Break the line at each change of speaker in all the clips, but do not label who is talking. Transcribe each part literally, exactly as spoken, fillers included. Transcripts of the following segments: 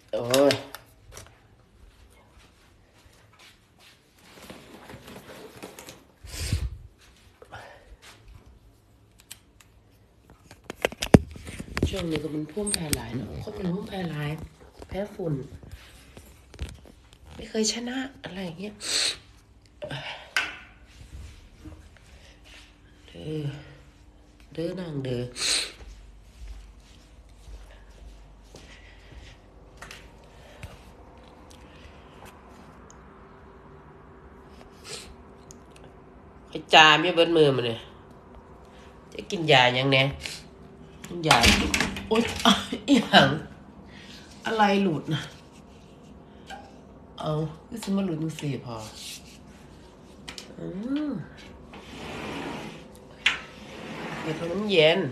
โอ้ยช่วงนี้ก็มันพุ่มแพ้หลายเนาะคนมันพุ่มแพ้หลายแพ้ฝุ่นไม่เคยชนะอะไรอย่างเงี้ยเด้อเด้อนางเด้อไอ้จาไม่เบิ้ลมือมันเนี่ยจะกินยายังไงกินยาโอ๊ยอีหยังอะไรหลุดนะเอาก็จะมาหลุดมือสี่พออืมเดี๋ยวมันเย็น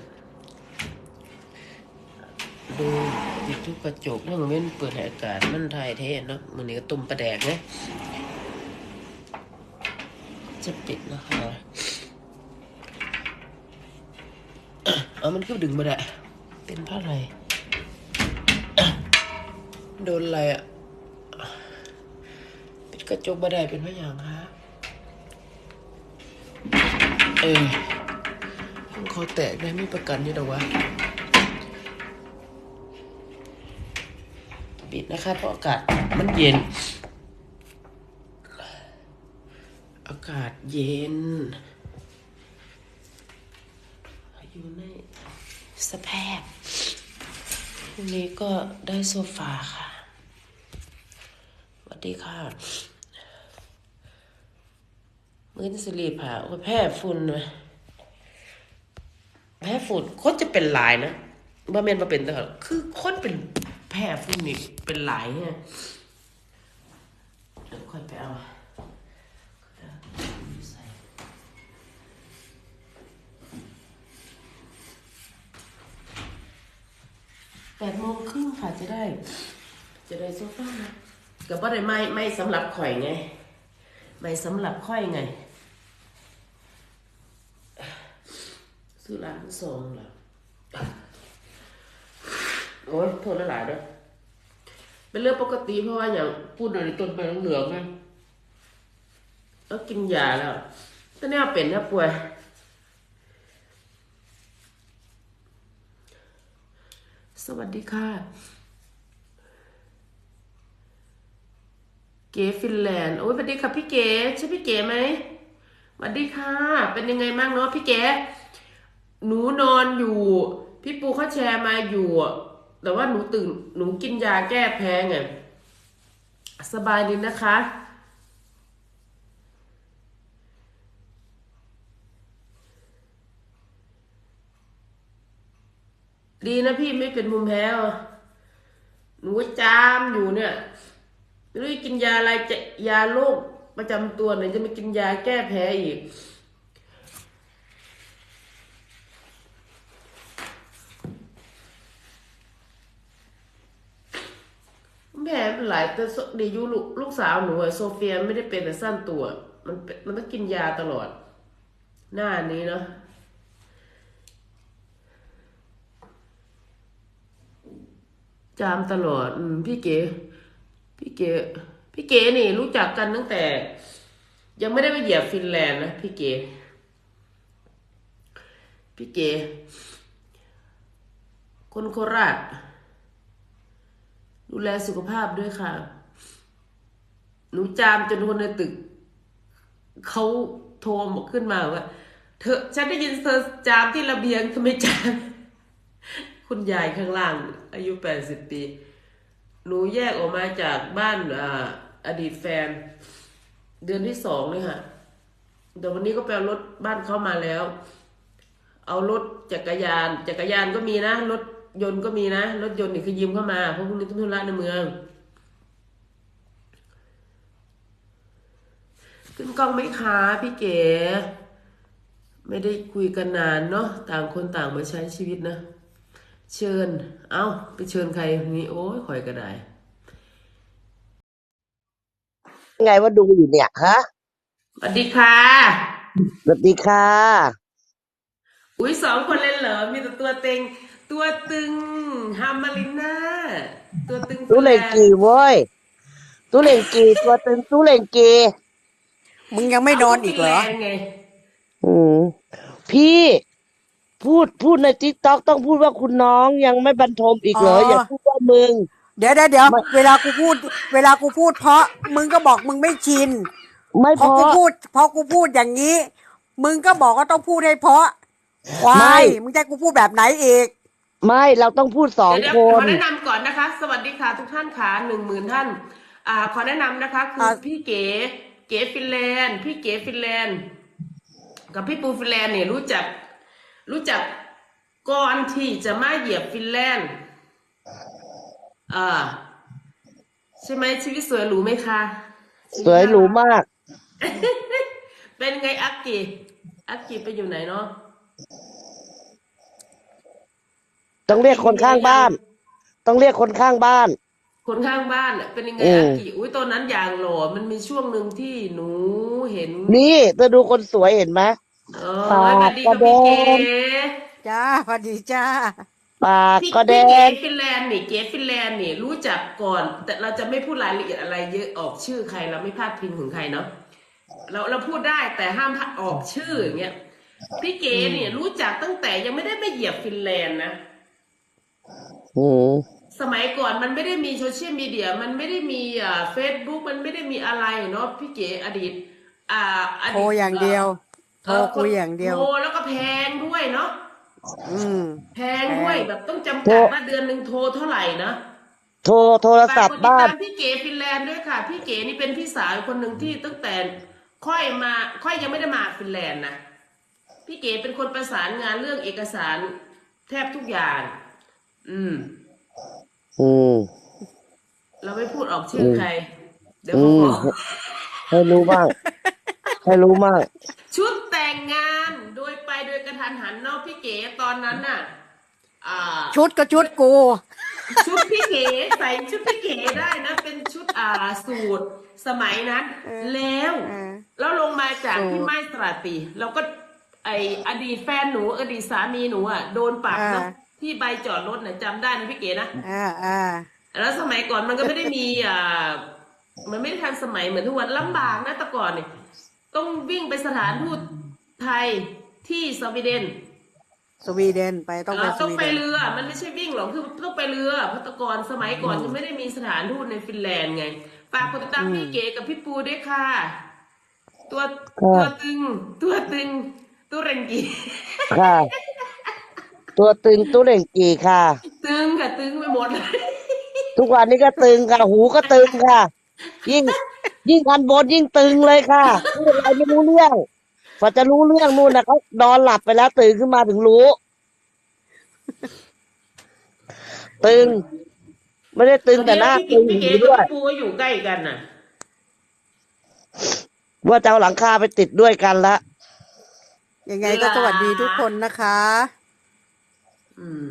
ดูติดทุกกระจกเรื่องเว้นเปิดให้อากาศมันถ่ายเทเนาะมันนี่ก็ตุ่มปลาแดกไงจะปิดนะคะเอามันก็ดึงมาได้เป็นเพราะอะไรโดนอะไรอ่ะปิดกระจกมาได้เป็นเพราะอย่างฮะเออคอแตกได้ไม่ประกันอยู่หรอวะปิดนะคะเพราะอากาศมันเย็นอากาศเย็นอยู่ในสภาพวันนี้ก็ได้โซฟาค่ะสวัสดีค่ะมื้อนี้สิรีผ่าโอ้ยแพ้ฝุ่นนะแพ้ฝุ่นคนจะเป็นหลายนะบ่แม่นบ่เป็นแต่คือคนเป็นแพ้ฝุ่นนี่เป็นหลายเนี่ยเดี๋ยวค่อยไปเอาแปดโมงครึ่งค่ะจะได้จะได้โซฟานะก็บ่ได้ไม่ไม่สำหรับข่อยไงไม่สำหรับข่อยไงซื้อร้านซองล่ะโอ้ยโทษหลายๆเด้อเป็นเรื่องปกติเพราะว่าอย่างพูดในต้นไปเหลืองๆไงแล้วกินยาแล้วตอนนี้เป็นนะป่วยสวัสดีค่ะเก๋ฟินแลนด์โอ้ยสวัสดีค่ะพี่เก๋ใช่พี่เก๋ไหมสวัสดีค่ะเป็นยังไงบ้างเนาะพี่เก๋หนูนอนอยู่พี่ปูเขาแชร์มาอยู่แต่ว่าหนูตื่นหนูกินยาแก้แพ้ไงสบายดีนะคะดีนะพี่ไม่เป็นภูมิแพ้หนูจามอยู่เนี่ยไม่รู้จะกินยาอะไรจะยาโรคประจำตัวไหนจะมากินยาแก้แพ้อีกแผลเป็นหลายแต่ดีอยู่ลูกลูกสาวหนูอะโซเฟียไม่ได้เป็นแต่สั้นตัวมันมันต้องกินยาตลอดหน้านี้เนาะจามตลอดอืมพี่เก๋พี่เก๋พี่เก๋นี่รู้จักกันตั้งแต่ ยังไม่ได้ไปเหยียบฟินแลนด์นะพี่เก๋พี่เก๋คนโคราชดูแลสุขภาพด้วยค่ะหนูจามจนคนในตึกเขาโทรมาขึ้นมาว่าเธอฉันได้ยินเธอจามที่ระเบียงทำไมจามคุณยายข้างล่างอายุแปดสิบปีหนูแยกออกมาจากบ้านอ่าอดีตแฟนเดือนที่สองเลยค่ะแต่วันนี้ก็ไปเอารถบ้านเขามาแล้วเอารถจักรยานจักรยานก็มีนะรถยนต์ก็มีนะรถยนต์นี่คือยืมเข้ามาเพราะพวกนี้ต้องธุระในเมืองขึ้นกล้องไหมคะพี่เก๋ไม่ได้คุยกันนานเนาะต่างคนต่างมาใช้ชีวิตนะเชิญเอาไปเชิญใครนี่โอ้ยคอยก็ได้
ไงว่าดูอยู่เนี่ยฮะ
สวัสดีค่ะ
สวัสดีค่ะ
อุ้ยสองคนเล่นเหรอมีแต่ตัวเต็งตัวตึงฮามาริน่าตัวตึงฟิ
ตู้
นแล
เหล่ง
นด์
กีเว้ยตู้เหล่งกีตัวตึงตู้เหล่งกี
มึงยังไม่
เอาก็ฟินแล
นอนอีกเหรอ
นด์ไง
อืมพี่พูดพูดในติ๊กต็อกต้องพูดว่าคุณน้องยังไม่บรรทมอีก
อ๋อ
เหรออย่าพูดว่ามึง
เดี๋ยวเดี๋ยวเดี๋ยว
ไม่
เวลากูพูดเวลากูพูดเพราะมึงก็บอกมึงไม่ชิน
ไม่เพราะ
พอกูพูดพอกูพูดอย่างนี้มึงก็บอกว่าต้องพูดให้เพราะควา
ไม่
ยมึงจะให้กูพูดแบบไหนอีก
ไม่เราต้องพูดสอง
เดี๋ยวเดี๋ยว
ค
ขอ
น
แนะนำก่อนนะคะสวัสดีค่ะทุกท่านค่ะหนึ่งหมื่นท่านอ่าขอแนะนำนะคะคือ
อ่ะ
พี่เก๋เก๋ฟินแลนด์พี่เก๋ฟินแลนด์กับพี่ปูฟินแลนด์เนี่ยรู้จักรู้จักก่อนที่จะมาเหยียบฟินแลนด์อ่าใช่ไหมชีวิตสวยหรูไหมคะชี
สวยหรู
วิตน่ารัก
มาก
เป็นไงอักกีอักกีไปอยู่ไหนเนาะ
ต้องเรียก
อักกี
คนข้าง
มีอะไรยัง
บ้านต้องเรียกคนข้างบ้าน
คนข้างบ้านน่ะเป็นยังไง
อืม
อักกีอุ้ยตอนนั้นอย่างหล่อมันมีช่วงหนึ่งที่หนูเห็น
นี่เธอดูคนสวยเห็นไหม
เอ
ปา
อสวั
กก็แด
สดีค่ะพี่เก๋
ง
จ้าพอดีจ้า
ปาก
พี่
ก็แด
พี่เก๋
ง
ฟินแลนด์นี่เก๋ฟินแลนด์นี่รู้จักก่อนแต่เราจะไม่พูดรายละเอียดอะไรเยอะออกชื่อใครเราไม่พลาดพิงถึงใครเนาะเราเราพูดได้แต่ห้ามออกชื่ออย่างเงี้ยพี่เก๋
อืม
เนี่ยรู้จักตั้งแต่ยังไม่ได้ไปเหยียบฟินแลนด์นะ
อืม
สมัยก่อนมันไม่ได้มีโซเชียลมีเดียมันไม่ได้มีอ่าเฟซบุ๊กมันไม่ได้มีอะไรเนาะพี่เก๋อดีตอ่าอ
โทร
ดีต
อย่าง
เอ่อ
เดียวโทร
เออคน
คุยอย่าง
โทร
เดียว
แล้วก็แพงด้วยเนาะ
อืม
แพง
แพ
ด้วย
ง
แบบต้อง
โท
จำ
ร
กัดว่าเดือนหนึ่งโทรเท่าไหร่นะ
โทรโทร
ฝาก
ศัพท์บ้าน
กดติดตามพี่เก๋ฟินแลนด์ด้วยค่ะพี่เก๋นี่เป็นพี่สาวคนหนึ่งที่ตั้งแต่ค่อยมาค่อยยังไม่ได้มาฟินแลนด์นะพี่เก๋เป็นคนประสานงานเรื่องเอกสารแทบทุกอย่างอืม
อืม
เราไม่พูดออก
อื
ชื่อ
ม
ใครเดี๋ยว
อืม
เขาฟ้อง
ให้รู้บ้างให้รู้บ้าง
ชุดแต่งงานโดยไปโดยกระทันหันเนอกพี่เก๋ตอนนั้นน่ะอ่า
ชุดก็ชุดกู
ชุดพี่เก๋ใส่ชุดพี่เก๋ได้นะเป็นชุดอ่าสูทสมัยนั้น
เออ
แล้ว
เออ
แล้วลงมาจาก
สู
ที่
ตร
ไม้ตราตรีเราก็ไออดีตแฟนหนูอดีตสามีหนูอ่ะโดนปรับ
อ่า
เนาะที่ใบจอดรถน่ะจำได้นะพี่เก๋นะ
อ่าอ่า
แล้วสมัยก่อนมันก็ไม่ได้มีอ่ามันไม่ได้ทันสมัยเหมือนทุกวันลำบากนะแต่ก่อนเนี่ยต้องวิ่งไปสถานทูตไทยที่สวีเดน
สวีเดนไปต้
เอ
องไป
อต้อง
สวีเดน
ไปเรือมันไม่ใช่วิ่งหรอกคือต้องไปเรือเพราะแต่ก่อนสมัยก่อนยังไม่ได้มีสถานทูตในฟินแลนด์ไงฝากกดติดตาม
อืม
พี่เก๋กับพี่ปูด้วยค่ะตัวตัว
ค่ะ
ตึงตัวตึงตัวเรงกี
ค่ะตัวตึงตู้เหล่งกีค่ะ
ตึงค่ะตึงไปหมดเลย
ทุกวันนี้ก็ตึงค่ะหูก็ตึงค่ะยิ่งยิ่งอันบนยิ่งตึงเลยค่ะพูดอะไรไม่รู้เรื่องพอจะรู้เรื่องนู่นนะเขานอนหลับไปแล้วตื่นขึ้นมาถึงรู้ตึงไม่ได้ตึง
ตอนนี้
แต่หน้า
พี่เก๋
ตึง
พี่เก๋
หูด้วย
กับพี่ปูก็อยู่ใกล้กันน่ะ
ว่าจะเอาหลังคาไปติดด้วยกันละ
ยังไง
หลา
ก็สวัสดีทุกคนนะคะ
อืม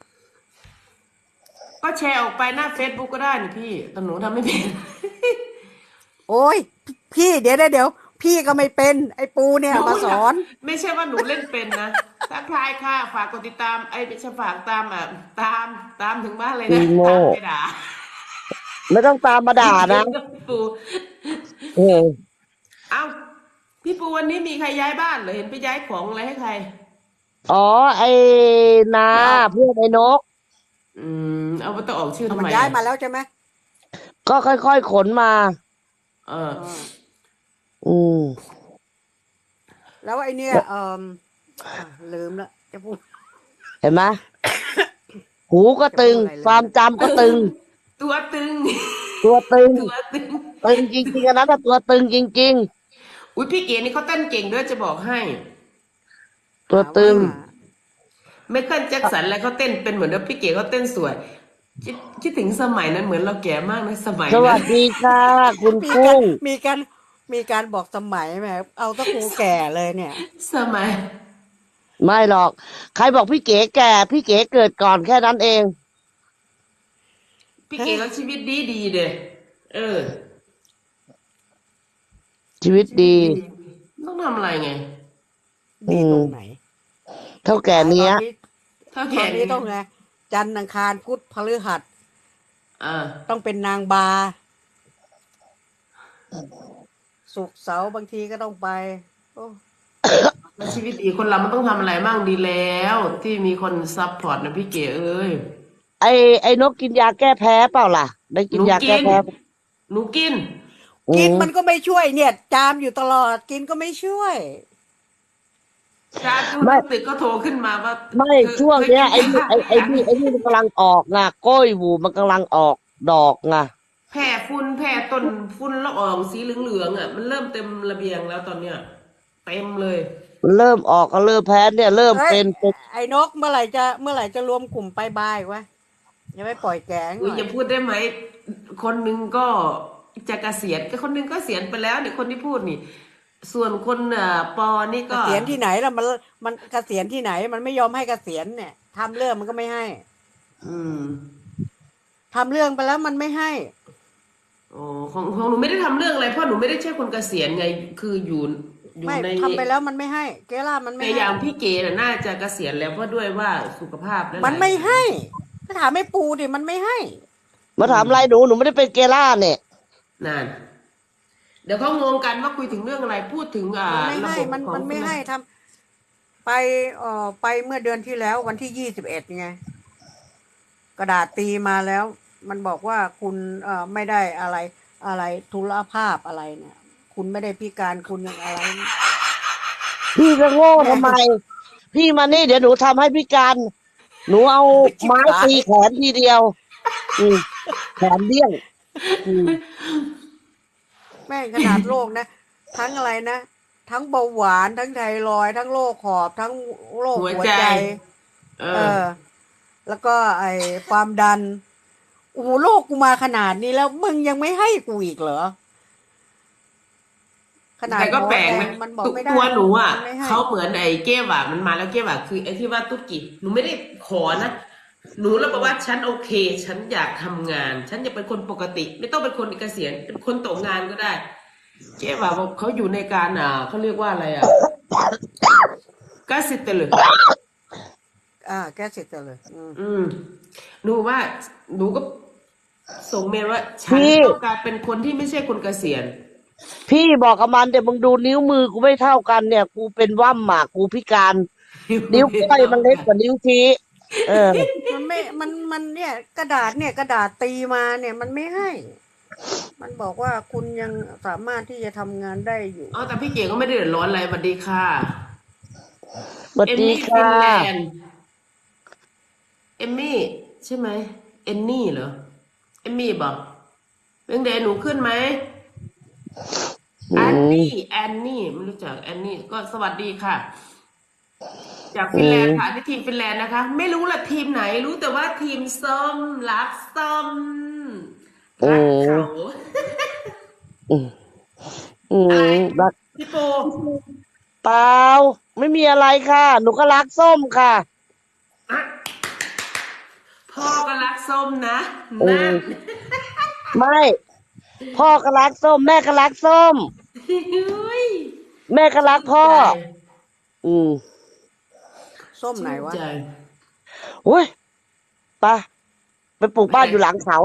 ก็แชร์ออกไปหน้าเฟซบุ๊กก็ได้นี่พี่แต่หนูทำไม่เป็น
โอ้ยพี่เดี๋ยวเดี๋ยวเดี๋ยวพี่ก็ไม่เป็นไอ้ปูเนี่
หนู
ยมาสอน
ไม่ใช่ว่าหนูเล่นเป็นนะทักทายค่ะฝากกดติดตามไอ้ไม่ใช่ฝากตามอ่ะตามตามถึงบ้านเลย
อี
นะ
โง่
ตามไปด่า
ไม่ต้องตามมาด่านะ
พี่ปู
เออ
เอ้าพี่ปูวันนี้มีใครย้ายบ้านเหรอเห็นไปย้ายของอะไรให้ใคร
อ๋อไอ้นา
ไม่เอา
เพื่อนไอ้นก
อืมเอาไปต้องออกชื่อ
เอา
ทำไมอ่ะ
มันย้ายมาแล้วใช่ไหม
ก็ค่อยๆขนมา
เออ
อ๋อ
อืม
แล้วไอ้เนี่ยเอ่ออ่ะลืมละจะพูด
เห็นไหมหูก็
จะ
ตึง
พูดอะไรลื
ความ
มละ
จำก็ตึง
ตัวตึง
ตัวตึง
ตัวตึง
ตึงจริงๆอันนั้นน่ะตัวตึงจริง
อุ้ยพี่เก๋นี่เขาเต้นเก่งด้วยจะบอกให้
ๆตัว
หาว่า
ตึง
ไมเคิลแจ็คสันอะไรเขาเต้นเป็นเหมือนเดิมพี่เก๋เขาเต้นสวยคิดคิดถึงสมัยนั้นเหมือนเราแก่มากนะสมัย
สวั
นั้น
สดีค่ะคุณ
มีการ
กุ้ง
มีการมีการบอกสมัยแหมเอาตะกูแก่เลยเนี่ย
สมัย
ไม่หรอก ใครบอกพี่เก๋แก่พี่เก๋เกิดก่อนแค่นั้นเอง
พี่เก๋เขาชีวิตดีดีเด้อเออ
ชีวิตดี
ชีวิตดีต้องทำอะไรไง
อื
ดีต
ม
รงไหน
เท่าแก่
ต
เนี้ย
อนนี้
เท่า
ตอ
แก่
นนี้
นี้
ต้องไงจันทร์อังคารพุธพฤหัส
เออ
ต้องเป็นนางบาศุกร์เสาร์บางทีก็ต้องไปโอ้
แล้วชีวิตดีคนเรามันต้องทำอะไรมั่งดีแล้ว ที่มีคนซัพพอร์ตนะพี่เก๋เอ้ย
ไอ้ไอ้นกกินยาแก้แพ้เปล่าล่ะ ได้กิ
หนู
นยาแก้
กิน
แพ้
หนูกิน
อื
กิน
ม
มันก็ไม่ช่วยเนี่ย จามอยู่ตลอดกินก็ไม่ช่วย
การดูใน
ไม่
ตึกก็โทรขึ้นมาว่า
ไม่
เธอ
ช่วง
เธอ
เนี้ยไอ้
กินยา
นี่ไอ้
หรือยัง
ไอ้นี่ไอ้นี่มันกำลังออกไงก้อยหวูมันกำลังออกดอกไง
แผ่ฝุ่นแผ่ต้นฝุ่นละอองสีเหลืองๆอ่ะมันเริ่มเต็มระเบียงแล้วตอนเนี้ยเต็มเลย
มันเริ่มออกก็เริ่มแพ้เนี่ยเริ่ม
เอ้ย
เป็นเป็น
ไอ้นกเมื่อไหร่จะเมื่อไหร่จะรวมกลุ่มไปบายวะอย่าไปปล่อยแก๊ง
อุ้
หน่อย
ยอย่าพูดได้ไหมคนหนึ่งก็จะเกษียณก็คนหนึ่งก็เกษียณไปแล้วเนี่ยคนที่พูดนี่ ส่วนคนอ่ะปอนี่
เก
ก็
ษียณที่ไหนล่ะมันมันเกษียณที่ไหน มันไม่ยอมให้เกษียณเนี่ยทำเรื่องมันก็ไม่ให้
อืม
ทำเรื่องไปแล้วมันไม่ให้
อ๋อของของหนูไม่ได้ทำเรื่องอะไรเพราะหนูไม่ได้ใช่คนเกษียณไงคืออยู่อยู่
ไม่
ใน
ทำไปแล้วมันไม่ให้ เกล่ามันไม่
แต่อ
ให้
ย่างพี่เก๋น่ะน่าจะเกษียณแล้วเพราะด้วยว่าสุขภาพและห
มัน
ลาย
ไม่ให้ถ้าถามไม่ปูดิมันไม่ให้
มาถามอะไรหนูหนูไม่ได้เป็นเกล่าเนี่ย
นั่นเดี๋ยวเขางงกันว่าคุยถึงเรื่องอะไรพูดถึงอ่า
มันไม่
ระ
ให้มัน
บบของ
มันไม่
คุณ
ให้ทำไปเอ่อไปเมื่อเดือนที่แล้ววันที่ยี่สิบเอ็ดไงกระดาษตีมาแล้ว มันบอกว่าคุณเอ่อไม่ได้อะไรอะไรทุรภาพอะไรเนี่ย คุณไม่ได้พิการคุณยังอะไร
พี่จะโง่
แม่
ทำไม พี่มานี่เดี๋ยวหนูทำให้พี่การหนูเอา
ชิบ
ไม้
หา
ตี
ย
แขนทีเดียว อืมแขนเดี้ยงอืม
แม่งขนาดโรคนะ ทั้งอะไรนะ ทั้งเบาหวานทั้งไทรอยด์ทั้งโรคหอบทั้งโรค
หัวใจ
หัวใจ
เอ
เอ
อ
อ แล้วก็ไอ้ความดันโอ้โหโรคกูมาขนาดนี้แล้วมึงยังไม่ให้กูอีกเหรอ ขนาด
แต่ก็
หมอ
แปลก
แดง
นะ
มันบอก
ตุก
ไม่ได้
ตัวหนูอ่ะ
มันไม่ให้
เขาเหมือนไอ้เก้หว่ามันมาแล้วเก้หว่าคือไอ้ที่ว่าตุ๊กกี้หนูไม่ได้ขอนะหนูแล้วบอกว่าฉันโอเค ฉันอยากทำงาน ฉันอยากเป็นคนปกติ ไม่ต้องเป็นคนเกษียณเป็นคนตกงานก็ได้เก้หว่าบอกเขาอยู่ในการอ่าเขาเรียกว่าอะไรอ่ะกสิเตเลย
อ่าแก้เสร็จเลยอืม
อืมหนูว่าหนูก็ส่งเมลว่าฉัน
พี่
ต้องการเป็นคนที่ไม่ใช่คนเกษียณ
พี่บอกกับมันเดี๋ยวมึงดูนิ้วมือกูไม่เท่ากันเนี่ย กูเป็นว่ำหมากกูพิการ นิ้ว
ไม่
ก้อย
เท่า
มันเล็ก
กัน
กว่านิ้วชี้เออ
มันไม่มันมันเนี่ย กระดาษเนี่ย กระดาษตีมาเนี่ย มันไม่ให้ มันบอกว่าคุณยังสามารถที่จะทำงานได้อยู่
อ๋อแต่พี่เก๋ก็ไม่ได้เดือดร้อนอะไรสวัสดีค่ะ
สวัสดี
เอมมี่ฟิ
ค่ะ
นแลนด์เอมมี่ใช่ไหมเอนนี่เหรอเอมมี่บอกเรื่องเดนหนูขึ้นไหม
อื
แอน
ม
นี่แอนนี่ไม่รู้จักแอนนี่ก็สวัสดีค่ะ จาก
อื
ฟินแลน
ม
ด์ค่ะนี่ทีมฟินแลนด์นะคะ ไม่รู้ละทีมไหน รู้แต่ว่าทีมส้มรักส้ม
อื
รัก
ม
เขา
อืมอื
อะไร
มรัก
พี่โป
เปล่าไม่มีอะไรค่ะ หนูก็รักส้มค่ะ
อะพ่อก็รักส้มนะ
อื
นั่น
มไม่ พ่อก็รักส้ม แม่ก็รักส้ม
เฮ้ย
แม่ก็รั
ชื่น
กพ่อ
ใจ
อืม
ส้มไหน
ชื่น
วะ
ใจ
โอ้ยไปไปปลูก
ไปไหน
บ้านอยู่หลังเขา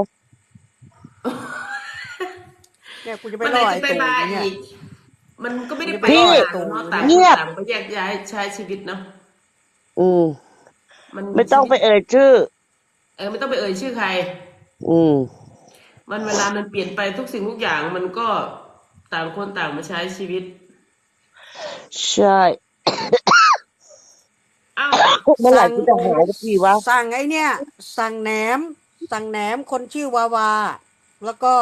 เนี่ยกูจะไป
เมื่อไห
ล่
ร่
อไอ้ตู่
จะไปมา
เนี่ย
อีก มันก็ไม่
กู
ได้ไป
จะไปล่อ
พี่
นา
ไอ้ตู่
นเนาะต่าง
เนี่ย
คน
เงียบ
ต่างไปแยกย้ายใช้ชีวิตเนาะ
อืม
มัน
ไม่ต้
ชีวิต
องไปเอ่ยชื่อ
เออไม่ต้องไปเอ่ยชื่อใคร
อืม
มันเวลามันเปลี่ยนไปทุกสิ่งทุกอย่างมันก็ต่างคนต่างมาใช้ชีวิต
ใช่
อ้าว
เมื่อไหร่
สั่ง
กูจะหายสักทีวะ
สั่งไอ้เนี่ย สั่งแหนม สั่งแหนมคนชื่อวาวา แล้วก็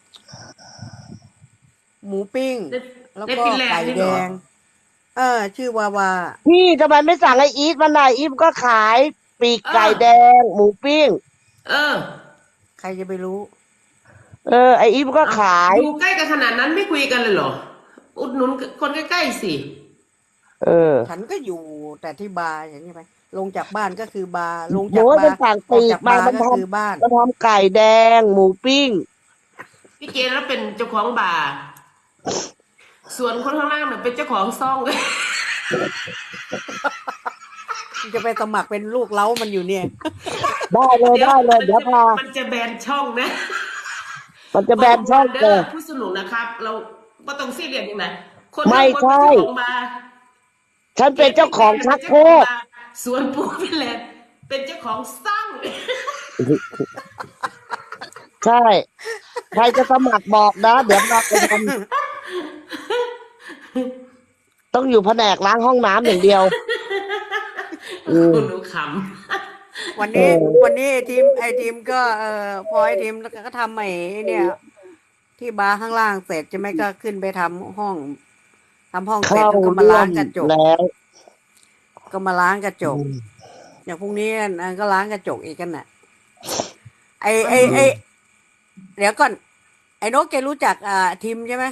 หมูปิ้ง
ใน
แล้วก็
ในฟินแลน
ไก่
ด์นี่
แด
เหรอ
ง เออ ชื่อวาวา
พี่ทำไมไม่สั่งไอ้อีทมันน่ะอีทก็ขายปีก
เออ
ไก่แดง หมูปิ้ง
เออ
ใครจะไปรู้
เออ ไอ้อีฟก็
เอา
ขาย
อยู่ใกล้กันขนาดนั้นไม่คุยกันเลยเหรออุดหนุนคนใกล้ๆสิ
เออ
ฉันก็อยู่แต่ที่บาร์อย่างนี้ไปลงจากบ้านก็คือบาร์ลง
หมู
จากบา
มัน
ร์
สั่ง
ออก
ปีกมา
จากบาร์
มันท
ก็คือบ้าน
ำมันทำไก่แดง หมูปิ้ง
พี่เจนแล้วเป็นเจ้าของบาร์ส่วนคนข้างล่างเนี่ยเป็นเจ้าของซ่อง
จะไปสมัครเป็นลูกเล้ามันอยู่เนี่ย
ได้เลย
เดี๋ยว
ได้เลย
มัน
เดี๋ยว
จะ
พา
มันจะแบนช่องนะ
มันจะแบนช่อง
เด้
เกิ
อ
ด
ผู้สนุกนะครับ เราก็ต้องซีเรียสอย่างไรคน
ไม่
ข้างบนเป็น
ใช่
เจ้าของบาร์
ฉันเป็นเจ้าของชักโครก
สวนปูฟินแลนด์เป็นเจ้าของซ่อง
ใช่ ใครจะสมัครบอกนะ เดี๋ยวมาไปทำต้องอยู่แผนกล้างห้องน้ำอย่างเดียว อืม
คุณหนูข
วันนี้
เออ
วันนี้ไอทีมไอทีมก็เออพอไอทีมก็ทำไอ้เนี่ย ที่บาร์ข้างล่างเสร็จใช่ไหมก็ขึ้นไปทำห้องทำห้องเสร็จ
เข้า
แล้วก็มา
ร่ว
ล้าง
ม
กระจก
แล้ว
ก็มาล้างกระจ
อื
ก
ม
อย่างพรุ่งนี้อันก็ล้างกระจกอีกกันน่ะ ไอ
ำ
ไอไอเดี๋ยวก่อน ไอ้นกแกรู้จักอ่าทีมใช่ไหม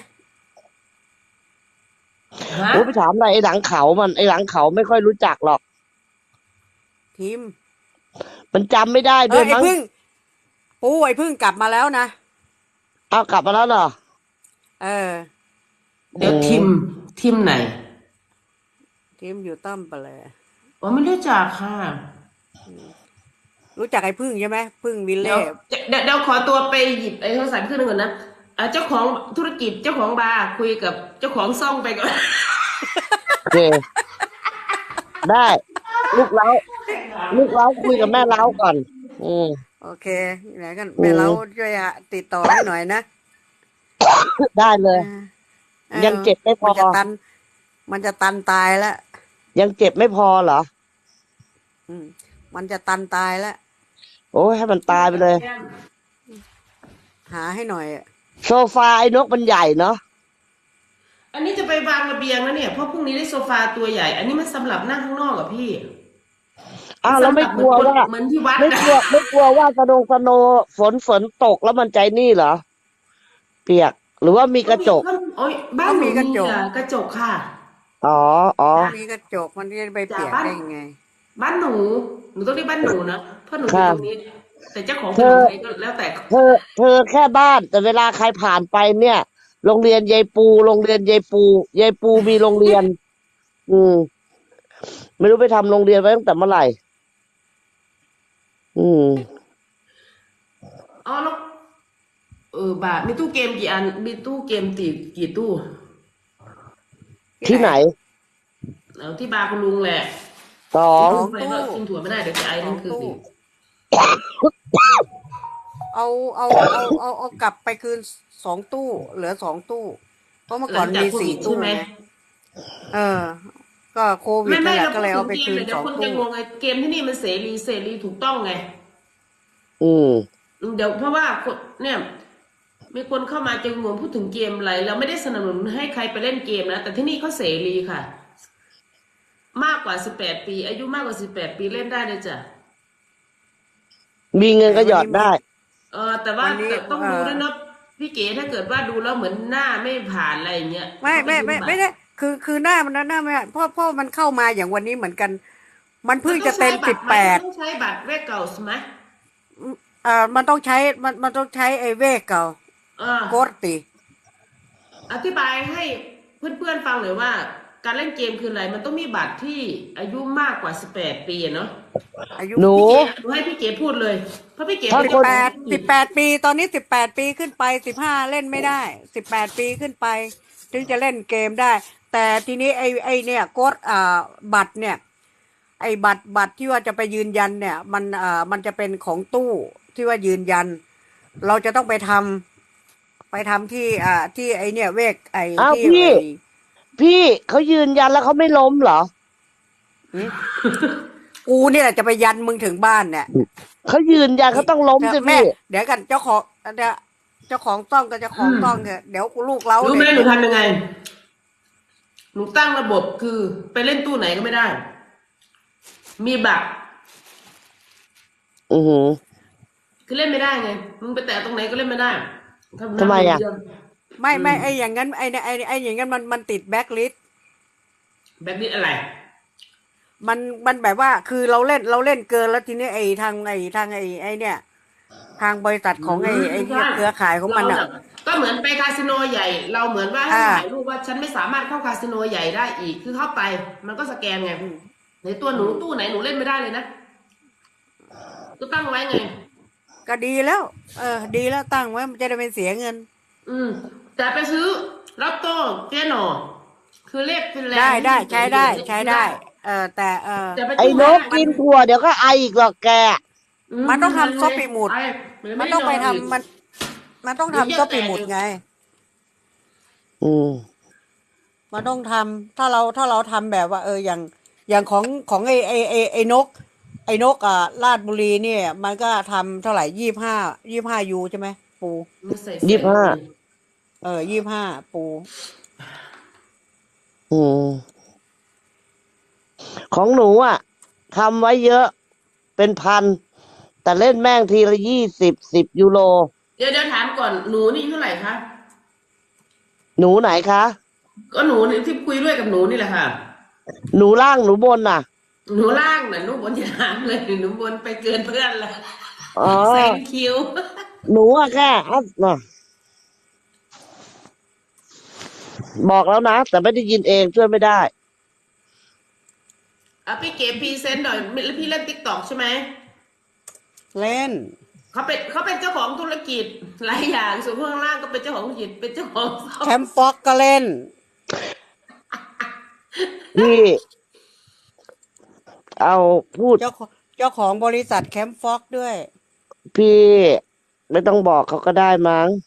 ฮะ
โอ้ไปถามอะไรไอ้หลังเขามันไอ้หลังเขาไม่ค่อยรู้จักหรอก
ทีม
มันจำไม่ได้
เอ
ด้ว
อย ไอ้
มั้ง
พึ่งปูไอ้พึ่งกลับมาแล้วนะ
เอากลับมาแล้วเหรอ
เออ
เดี๋ยวทีมทีมไหน
ทีมอยู่ต้อมไปเลย
อ๋อไม่รู้จักค่ะ
รู้จักไอ้พึ่งใช่ไหมพึ่งวิล
เดี๋ยว
เล่
เดี๋ยวเดี๋ยวขอตัวไปหยิบไอ้โทรศัพท์ขึ้นงก่อนนะอ่าเจ้าของธุรกิจเจ้าของบาร์คุยกับเจ้าของซ่องไปก่อน
โอเค ได้ ลูกเล้า ลูกเล้าคุยกับแม่เล้าก่อน อืม
โอเคไหนกันแม่เราช่วยอ่ะติดต่อให้หน่อยนะ
ได้เลย
ออ
ยังเจ็บไม่พอ
มันจะตัน มันจะตันตายแล้ว
ยังเจ็บไม่พอเหรอ
อืมมันจะตันตายแล้ว
โอ้ยให้มันตายไปเลย
หาให้หน่อยอะ
โซฟาไอ้นกมันใหญ่เนาะ
อันนี้จะไปวางระเบียงแล้วเนี่ยเพราะพรุ่งนี้ได้โซฟาตัวใหญ่ อันนี้มันสำหรับนั่งข้างนอกอะพี่
อ้าวแล้วไม่กลัวว่า
เหมือนที่วัด
ไม่กลัวไม่กลัวว่าสะดงสโนฝนฝนตกแล้วมันใจนี่เหรอ เปียก หรือว่ามีกระจก
โอ้ยบ้านหนูมีกระจกค่ะ
อ๋ออ๋อ
มีกระจกมันจะไปเปียกได้ยังไง
บ้านหนู หนูต้องเรียกบ้านหนูนะเพราะหนูอยู่ตรงนี้ แต่เจ้าของ
เธ
เป็น
อ
ใครก็แล้วแต่
เธอ เธอแค่บ้าน แต่เวลาใครผ่านไปเนี่ย โรงเรียนยายปู โรงเรียนยายปูยายปูมีโรงเรียน อืม ไม่รู้ไปทำโรงเรียนไว้ตั้งแต่เมื่อไหร่ อืม
อ๋อแล้วเออบาทมีตู้เกมกี่อัน มีตู้เกมตีกี่ตู้
ที่ไหน
เอาที่บาร์คุณลุงแหละ
สอง
กินไปก็กินถั่วไม่ได้เดี๋ยวจะไอนั่นคือสิ
เอาเอาเอาเอาเอากลับไปคืนสองตู้ เหลือสองตู้ เพราะเมื่อก่อนมีสี่ตู้ไงเออ ก็โควิด
ไม่
นั่
ไม่
นแหละ
เรา
ก็
พูด
เลย
ถึ
เอา
ง
ไป
เกม
คืน
เลยเดี๋
ส
ยว
อง
คนจะ
ตู้
งงไงเกมที่นี่มันเสรีเสรีถูกต้องไง
อืม
เดี๋ยวเพราะว่าคนเนี่ยมีคนเข้ามาจะงงพูดถึงเกมอะไรเราไม่ได้สนับสนุนให้ใครไปเล่นเกมนะแต่ที่นี่เขาเสรีค่ะ มากกว่าสิบแปดปี อายุมากกว่าสิบแปดปีเล่นได้เลยจ้ะ
มีเงินก็หยอดได้
เออแต่ว่า
วันนี้
แต่ต้อง
เอ่อ
ดูด้วยนะพี่เก๋ถ้าเกิดว่าดูแล้วเหมือนหน้าไม่ผ่านอะไรอย่างเงี้ย
ไม่ไม่ไม่
ก็
ไม่ได้คือคือหน้ามันหน้าไม่เพราะเพราะมันเข้ามาอย่างวันนี้เหมือนกัน มันเพิ่งจะเต็มสิบแปด
ต้องใช้บัตรแรกเก่าใช่ไหม
เอ่อมันต้องใช้มันมันต้องใช้ไอ้เวกเก่า
อ่า
โกดติ
อธิบายให้เพื่อนๆฟังหน่อยว่า การเล่นเกมคืออะไร มันต้องมีบัตรที่อายุมากกว่าสิบแปดปีอะเนาะ
อายุ
หนู
พี่เก๋หนูให้พี่เก๋พูดเลย เพราะพี่เก๋
ถ้า
เป็น
คน
แปดสิบแปดปี ตอนนี้สิบแปดปีขึ้นไปสิบห้าเล่นไม่ได้สิบแปดปีขึ้นไป ถึงจะเล่นเกมได้ แต่ทีนี้ไอ้ไอ้เนี่ยโกดอ่าบัตรเนี่ย ไอ้บัตรบัตรที่ว่าจะไปยืนยันเนี่ย มันอ่ามันจะเป็นของตู้ที่ว่ายืนยัน เราจะต้องไปทำไปทำที่อ่าที่ไอ้เนี่ยเวกไอ้
อ้าว
ที่
พี่
ไอ้
พี่เขายืนยันแล้วเขาไม่ล้มเหรอ
กูเนี่ยแหละจะไปยันมึงถึงบ้านเนี่ย
เขายืนยันเขาต้องล้มสิ
แม่
พี่
เดี๋ยวกันเจ้าของเดี๋ยวเจ้าของต้องกับเจ้าของต้องเถอะเดี๋ยวกูลูกเล้า
รู้ไหม
เนี่ย
หนูทำยังไง หนูตั้งระบบคือไปเล่นตู้ไหนก็ไม่ได้ มีบัตร
อือหือ
คือเล่นไม่ได้ไง มึงไปแตะตรงไหนก็เล่นไม่ได้
ทำไมอะ
ไม่ไม่ไออย่างนั้นไอเนี่ยไอไออย่างนั้นมันมันติดแบ็คลิสต์
แบบนี้อะไร
มันมันแบบว่าคือเราเล่นเราเล่นเกินแล้วทีนี้ไอทางไอทางไอไอเนี่ย ทางบริษัทของไอไอเนี่ยเครือข่ายของมันอ่ะ
เราก็เหมือนไปคาสิโนใหญ่ เราเหมือนว่าให้
อ่า
ถ่ายรูปว่าฉันไม่สามารถเข้าคาสิโนใหญ่ได้อีก คือเข้าไป มันก็สแกนไงในตัวหนูตู้ไหนหนูเล่นไม่ได้เลยนะก็ตั้งไว้ไง
ก็ดีแล้ว เออ ดีแล้วตั้งไว้มันจะได้ไม่เสียเงิน
อืม แต่ไปซื้อลอตโต้เจ๊หน่อคือเลขฟินแลน
ได้
ด์
ได้
ที่
ใช้ได้
อยู่
ใช้ได้ เออ แต่เออ
แต่ไป
ไอ้
ตู้
น
ห้าก
กินถั่วเดี๋ยวก็ไออีกหรอกแก
มันต้องทำซอสปีหมุด
ไอ้
มันต้องไปทำ
ด้นนก
มัน มันต้อง
เดี๋ยว
ทำ
เยี่
ซ
ย
อ
ว
สปีหมุด
แตก
ไง
อืม
มันต้องทำถ้าเราถ้าเราทำแบบว่า เอออย่างอย่างของของไอ้ไอ้ไอ้ไอ้นก ไอ้นกอ่ะราชบุรีเนี่ย มันก็ทำเท่าไหร่ยี่ห้ายี่ห้ายูใช่ไหมปู
มันใส่
ยี่สิบห้า
แสง
เออยี่ห้าปู
อืม ของหนูอ่ะทำไว้เยอะ เป็นพัน แต่เล่นแม่งทีละยี่สิบสิบยูโร
เดี๋ยวเดี๋ยวถามก่อนหนูนี่เท่าไหร่คะ
หนูไหนคะ
ก็หนูนี่ที่คุยด้วยกับหนูนี่แหละค่ะ
หนูล่างหนูบนน่ะ
หนูล่างน่ะหนูบนอย่าถามเลยหนูบนไปเกินเพื่อนละ
อ๋อ
แซงคิว
หนูอะแค่อัพน่ะบอกแล้วนะ แต่ไม่ได้ยินเองช่วยไม่ได้
อ่ะพี่เก๋พรีเซนต์หน่อยแล้วพี่เล่นติ๊กต็อกใช่ไหม
เล่น
เขาเป็นเขาเป็นเจ้าของธุรกิจหลายอย่างส่วนข้างล่างก็เป็นเจ้าของธุรกิจเป็นเจ้าของ
แคมฟ็อกก็เล่น
พี่ เอาพูด
เจ้าของเจ้าของบริษัทแคมฟ็อกด้วย
พี่ ไม่ต้องบอกเขาก็ได้มั้ง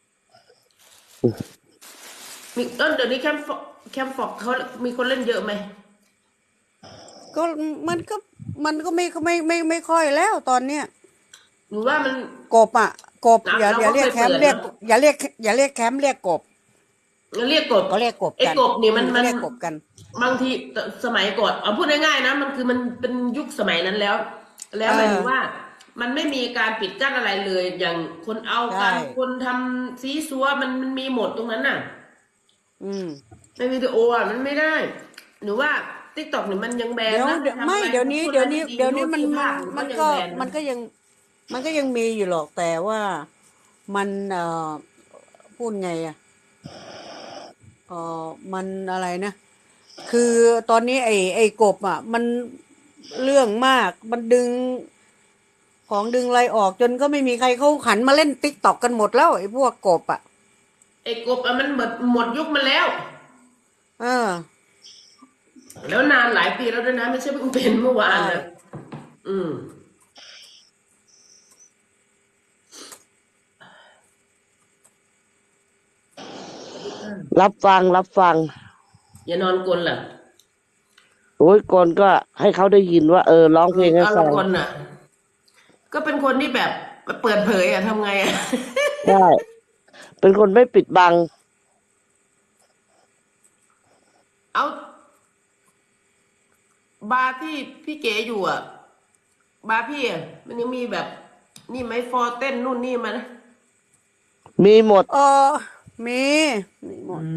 มีเออเดี๋ยวนี้แคมฟอกแคมฟอกเขามีคนเล่นเยอะไหม
ก็มันก็มันก็ไม่ไม่ไม่ไม่ค่อยแล้วตอนเนี้ย
หนูว่ามัน
กบอ่ะกบ
อ่ะ
อย่า
เรา
อย่า
ก็
เรียก
เคย
แคมป์
เปิด
เรียก
นะ
อย่าเรียกอย่าเรียกแคมป์เรียกกบ
เรียกกบ
เขาเรียกกบ
ไอ้
กัน
กบนี่มัน
อื
มัน
เรียกกบกัน
บางทีสมัยก่อนเอาพูดง่ายๆนะมันคือมันเป็นยุคสมัยนั้นแล้ว แล้ว
เออ
หมายถึงว่า มันไม่มีการปิดกั้นอะไรเลย อย่างคนเอากัน
ใช่
คนทำซีซัวมันมันมีหมดตรงนั้นน่ะ
อืม
ในวิดีโออ่ะมันไม่ได้ หนูว่าติ๊กต็อกเนี่ยมันยังแบน
เดี๋ยว
นะ
เดี๋ยว
ทำ
ไม่
อะร
เดี๋ยวนี้
พู
เดี๋ยวนี้
อะไร
เดี๋ยวนี้มัน
รูป
มัน
ภาพ
มัน
ยัง
ก็
แบะ
มันก็ยัง มันก็ยังมีอยู่หรอกแต่ว่ามันเอ่อพูดไงอ่ะเอ่อมันอะไรนะ คือตอนนี้ไอ้ไอ้กบอ่ะ มันเรื่องมาก มันดึง ของดึงอะไรออกจนก็ไม่มีใครเขาหันมาเล่นติ๊กต็อกกันหมดแล้วไอ้พวกกบอ่ะ
ไอ้กบอ่ะมันหมดหมดยุคมันแล้ว
เออ
แล้วนานหลายปีแล้วด้วยนะไม่ใช่เพิ่งเป็นเมื่อวาน
ใช่
นะอืม
รับฟังรับฟัง
อย่านอนกลนล่ะ
โอ้ยกนก็ให้เขาได้ยินว่า เออร้องเพลงให้
เอา
ฟั
ละ
ง
กลน่ะ ก็เป็นคนที่แบบเปิดเผยอ่ะทำไงอ่ะ
ใช่ เป็นคนไม่ปิดบัง
เอาบาร์ที่พี่เก๋อยู่อ่ะ บาร์พี่อ่ะมันยังมีแบบ นี่ไหมฟอร์เต้นนู่นนี่มานะ
มีหมด
เออมีมีหมด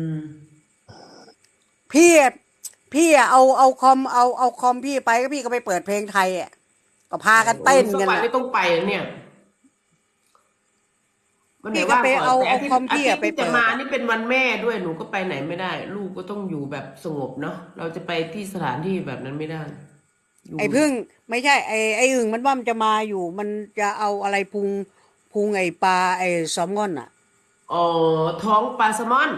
พี่อะพี่อะเอาเอาคอมเอาเอาคอมพี่ไปก็พี่ก็ไปเปิดเพลงไทยอ่ะก็พากันเต้น
สัก
กัน
วัน
อะ
ไม่ต้องไปเนี่ยวันไหน
พี่ก็
ว่าง
ไป
ก่อน
เอา
แต่
เอา
ที่
คอมพี่
อา
อะ
ทิตย์
ไป
ที่จะ
เปิด
มา
อะ
นี่เป็นวันแม่ด้วยหนูก็ไปไหนไม่ได้ ลูกก็ต้องอยู่แบบสงบเนาะเราจะไปที่สถานที่แบบนั้นไม่ได้ยู่
ไอ้พึ่งไม่ใช่ไอ้ไอ้อึ่งมันว่ามันจะมาอยู่ มันจะเอาอะไรพุงพุงไอ้ปลาไอ้แซลมอนอ่ะ
อ๋อท้องปลาแซลมอน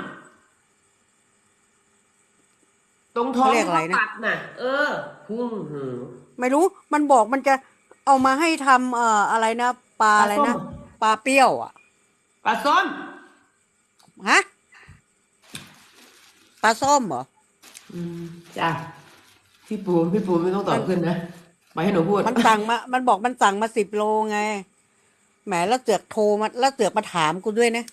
ตรงท้อง
เขาเรียกอะไรนะ
ตัดน่ะ เออพุ่งหือ
ไม่รู้มันบอกมันจะเอามาให้ทำเอ่ออะไรนะปลาอะไรนะปลาเปรี้ยวอ่ะ
ปลาส้ม
ฮะปลาส้มเหรอ
อืมจ้ะพี่ปูพี่ปูไม่ต้องตอบขึ้นนะไปให้หนูพูด
มันสั่งมา มันบอกมันสั่งมาสิบโลไง แหมแล้วเสือกโทรมาแล้วเสือกมาถามกูด้วยนะ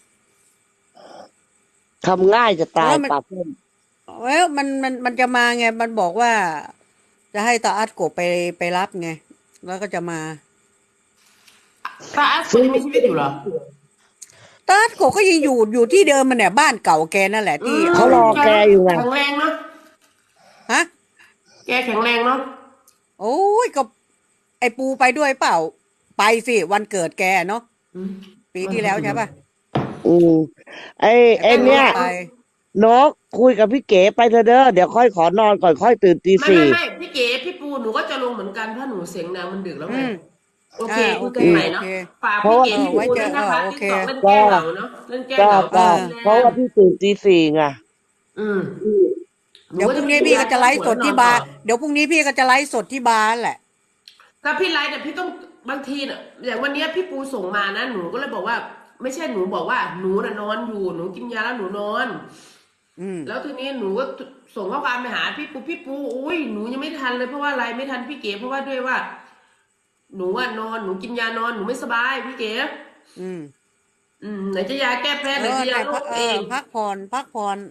ทำง่ายจะตาย
แล้วมัน
ปรับเพิ่ม
เอ้ยมันมันมันจะมาไง มันบอกว่า จะให้ตาอัดกบไปไปรับไง แล้วก็จะมา
ตาอัสยังมีชีวิตอยู่เหรอ
ตาอัดกบก็ยังอยู่อยู่ที่เดิมมันเนี่ยบ้านเก่าแกนั่นแหละที่
เขารอแกอยู่ไง
แข็งแรงเนาะ
ฮะ
แกแข็งแรงเนาะ
โอ้ยก็ไอปูไปด้วยเปล่า ไปสิวันเกิดแกเนาะ
อืม
ปีที่แล้วใช่ป่ะ
อืมไอ้ไอ้
แต่ก็
เนี่ย
ไป
นกคุยกับพี่เก๋ไปเถอะเด้อเดี๋ยวค่อยขอนอนก่อนค่อยตื่นตี
ไม่
สี่
ไม่ไม่พี่เก๋พี่ปูหนูก็จะลงเหมือนกันเพราะหนูเสียงดังมันดึกแล้วไง
อืม
โอเค
อ่า
คุ
โอย เค
กันใหม่
โอ
เนาะ
เค
ฝาก
เพราะ
พี่
ว่า
เก๋
เออ
พี่
ไว้
ปู
เจ
ด้
อ
วย
เอ
นะ
อ
คะ
โอ
ติ๊ก
เค
ตอกเล่นแก้
จ้า
เหงาเนาะเล่นแก้
จ้า
เหงา
เอ
จ้า
อ
ฟินแล
เพราะ
น
ว่า
ด์
พี่ตื่นตีสี่ไง
อืมหนู
เดี๋ยว
ก็
พ
จะ
รุ่ง
ไป
นี้
กิน
พี่
ยา
ก็
แก้
จะไลฟ์
ปว
ส
ด
ด
แล้วน
ที่
อน
บา
ต่อ
ร์เดี๋ยวพรุ่งนี้พี่ก็จะไลฟ์สดที่บาร์แหละ
ถ้าพี่ไลฟ์เนี่ยพี่ต้องบางทีเนี่ยอย่างวันเนี้ยพี่ปูส่งมานะหนูก็เลยบอกว่า ไม่ใช่หนูบอกว่าหนูน่ะนอนอยู่หนูกินยาแล้วหนูนอน
อืม
แล้วทีนี้หนูก็ส่งข้อความไปหาพี่ปูพี่ปูอุ้ยหนูยังไม่ทันเลยเพราะว่าอะไรไม่ทันพี่เก๋เพราะว่าด้วยว่า หนูว่านอนหนูกินยานอนหนูไม่สบายพี่เก๋
อืม
อืมไหนจะยาแก้แพ้
เอ
ไหน
อ
จะยา
แต่
โร
พัก
ค
เอ
เอ
อง พักผ่อนพักผ่อน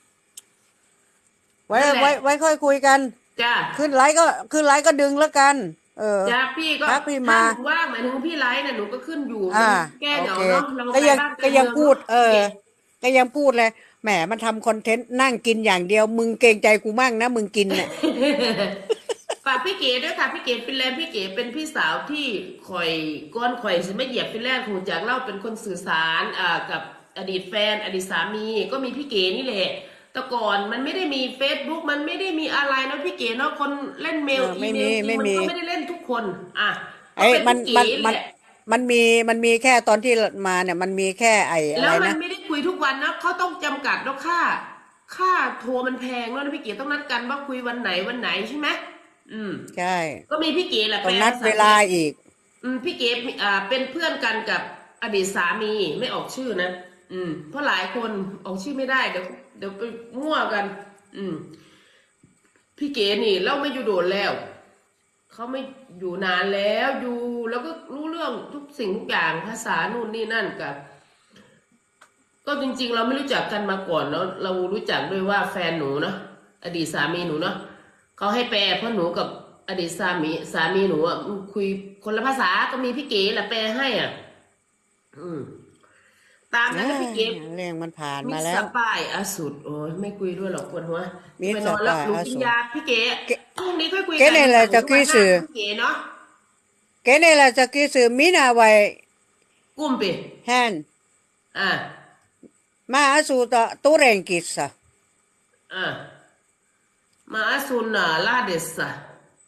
ไว้
นั่นแหละ
ไว้ไว้ค่อยคุยกัน
จ้า
ขึ้นไลฟ์ก็ขึ้นไลฟ์ก็ดึงแล้วกัน เออ
จ้าพี่ก็
พักพี่
ถ้า
มา
หนูว่างหมายถึงพี่ไลฟ์น่ะหนูก็ขึ้นอยู่
อ่า
มันแก้
โอ
เหงา
เค
เนาะเรา
ก็
ไป
ยัง
บ้าน
ก็
กัน
ยัง
เมือง
พูด
เนาะ
เออ ก็ยังพูดเลยแหมมันทำคอนเทนต์นั่งกินอย่างเดียว มึงเกรงใจกูมั่งนะมึงกินเนี่ย
ฝากพี่เก๋ด้วยค่ะพี่เก๋ฟินแลนด์พี่เก๋เป็นพี่สาวที่ข่อยก้อนข่อยสิไม่เหยียบฟินแลนด์คงจากเล่าเป็นคนสื่อสารอ่ากับอดีตแฟนอดีตสามีก็มีพี่เก๋นี่แหละแต่ก่อนมันไม่ได้มี Facebook มันไม่ได้มีอะไรนะพี่เก๋เนาะคนเล่นเมล
เออ
อี
ไม่
เม
มี
ลจริ
ไม่
งมัน
มี
ก็ไม่ได้เล่นทุกคนอ่ะก็
ไอ้
เป็น
มัน
พี่เก๋
มัน
แห
มัน
ละ
มันมีมันมีแค่ตอนที่มาเนี่ยมันมีแค่ไอ้อะ
แล้
ไร
วมัน
นะ
ไม่ได้คุยทุกวันนะเขาต้องจำกัดแล้วค่าค่าโทรมันแพงแล้วนะพี่เก๋ต้องนัดกันว่าคุยวันไหนวันไหนใช่ไหมอืม
ใช่
ก็มีพี่เก๋แหละ
ต้อ
แป
ง
ล
นัด
ภาษา
เว
ฟิน
ลา
แลนด์
อีก
อืมพี่เก๋อ่าเป็นเพื่อนกันกับอดีตสามีไม่ออกชื่อนะอืมเพราะหลายคนออกชื่อไม่ได้เดี๋ยวเดี๋ยวไปมั่วกัน อืม พี่เก๋นี่เล่าไม่อยู่โดนแล้วเขาไม่อยู่นานแล้วอยู่แล้วก็รู้เรื่องทุกสิ่งทุกอย่างภาษานู่นนี่นั่นกับ ก็จริงๆ เราไม่รู้จักกันมาก่อนเนาะเรารู้จักด้วยว่าแฟนหนูเนาะอดีตสามีหนูเนาะเขาให้แปลเพราะหนูกับอดีตสามีสามีหนูอ่ะคุยคนละภาษาก็มีพี่เก๋แหละแปลให้อ่ะ อืม ตามนั้นนะพี่เก๋
เรื่องมันผ่าน
มิ
มา
ส
แล้
ส
ว
ปายอสุดโอ้ยไม่คุยด้วยหรอกปวดหัว
มิส
ไปนอนแล้ว
สปาย
หนู
อ
กิ
สุ
น
ด
ยาพี่เก๋
เก๋
พรุ่งนี้ค่อยคุย
เก๋
กัน
เนี่ยแหละจะ
วัน
กี้
หน้า
สื่อ
พี่เก๋เนาะ
Cái này là cho cái sự mỹ nào vậy
กุ้มไป
hen
อ่า
mà su ta tu ren kissa
อ่ามาซุนอ่ะลาเดสอ่ะ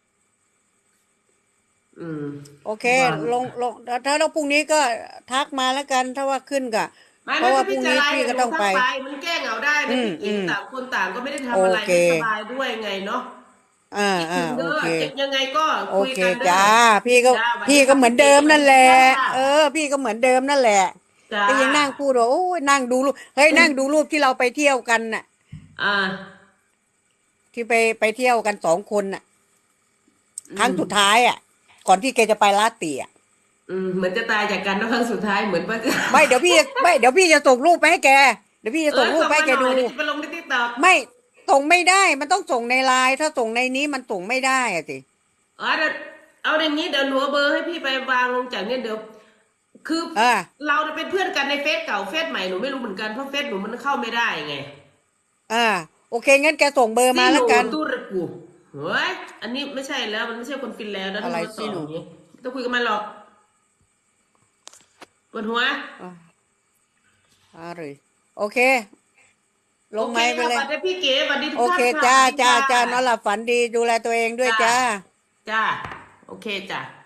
อืม
โอเค
ว่า
ลงลงถ้าเราพรุ่งนี้ก็ทักมาแล้วกัน ถ้าว่าขึ้นก็
ไม่
เพ
ไม่
ราะว่า
ถ้า
พรุ่
พี่
ง
จะ
นี้
ไล
พี่
ฟ์
ก็
หนู
ต้อง
ทั
ไป
กไปมันแก้เหงาได้
อื
นะ
ม
พี่เก๋
อืม
ต่างคนต่างก็ไม่ได้ทำ
โอ
อะไร
เค
ไม่สบายด้วยไงเนาะ
อ่า
คิด
อ่า
ถึง
โอ
เด้อ
เค
ยังไงก็
โอ
คุย
เค
กันเด้อ
จ้า พี่ก็
จ้าสวัสดี
พี่ก็
ค่ะ
เหมือนเดิมนั่นแหละ
จ้า
เออ พี่ก็เหมือนเดิมนั่นแหละ
จ้า
ก็ยังนั่งพูดว่าโอ้ยนั่งดูรูปเฮ้ยนั่งดูรูปที่เราไปเที่ยวกันน่ะ
อ่า
ที่ไปไปเที่ยวกันสองคนน่ะ
อืม
ครั้งสุดท้ายอ่ะ ก่อนที่แกจะไปลาดเตีย
อืมเหมือนจะตายจากกันนะครั้งสุดท้ายเหมือนว่าจะ
ไม่เดี๋ยวพี่ไม่เดี๋ยวพี่จะส่งรูปไปให้แก เดี๋ยวพี่จะส่งรูปไปให้แกดู
เออส่งมาหน่อยเยวจะไปลงในติ๊กต็อก
ไม่ส่งไม่ได้ มันต้องส่งในไลน์ถ้าส่งในนี้มันส่งไม่ได้อะสิ
อ๋อเดี๋ยวเอาอย่างนี้เดี๋ยวหนูเอาเบอร์ให้พี่ไปวางลงจากเนี่ยเดี๋ยว คือ
อ่า
เราเนี่ยเป็นเพื่อนกันในเฟซเก่าเฟซใหม่หนูไม่รู้เหมือนกันเพราะเฟซหนูมันเข้าไม่ได้ไง
อ่า โอเคงั้นแกส่งเบอร์มาแล้วกัน
ซีโตู้ระกูเฮ้ยอันนี้ไม่ใช่แล้วมันไม่ใช่คนฟินแลนด์แล้ว
อะไร
ที่มา
ซีโน่
ต่อย่างนี้ไม่ต้องคุยกับมันหรอกปวดหัว
อ่าเลยโอเค ลง
โอ
ไม้
เค
ไป
ค่ะ
เลย
สวัสดีพี่เก๋สวัสดีทุก
โอ
ท่าน
เค
ค่ะ
จ้า
สวัสดี
จ้า
ค่ะ
จ้านอนหลับฝันดีดูแลตัวเองด้วยจ้า
จ้าโอเคจ้า